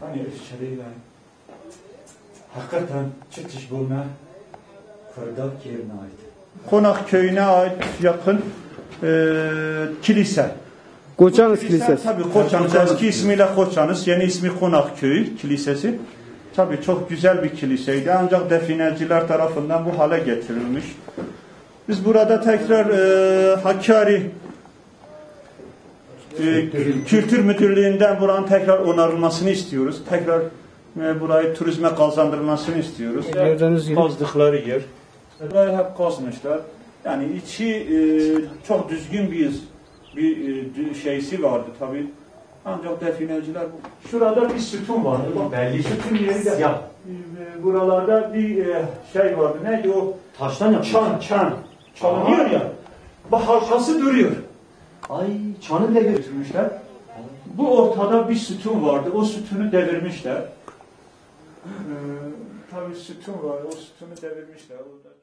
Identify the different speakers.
Speaker 1: Hani şeyle hakikaten çıkış bulma Kırdak yerine ait.
Speaker 2: Konak köyüne ait yakın kilise.
Speaker 3: Koçanız Kilisesi.
Speaker 2: Tabii Koçanız, eski ismiyle Koçanız, yeni ismi Konak Köyü Kilisesi. Tabii çok güzel bir kiliseydi ancak defineciler tarafından bu hale getirilmiş. Biz burada tekrar Hakkari Kültür Müdürlüğü'nden buranın tekrar onarılmasını istiyoruz. Tekrar burayı turizme kazandırılmasını istiyoruz. Kazdıkları yer. Burayı hep kazmışlar. Yani içi çok düzgün bir şeysi vardı tabii. Ancak defineciler şurada bir sütun vardı.
Speaker 1: Belli.
Speaker 2: Sütun yeri de
Speaker 1: Siyah.
Speaker 2: Buralarda bir şey vardı. Neydi o?
Speaker 1: Taştan yapıyor.
Speaker 2: Çan. Çalınıyor ya. Bak halkası duruyor.
Speaker 1: Ay çanı bile
Speaker 2: Götürmüşler. Bu ortada bir sütun vardı. O sütunu devirmişler. Tabii sütun var. O sütunu devirmişler.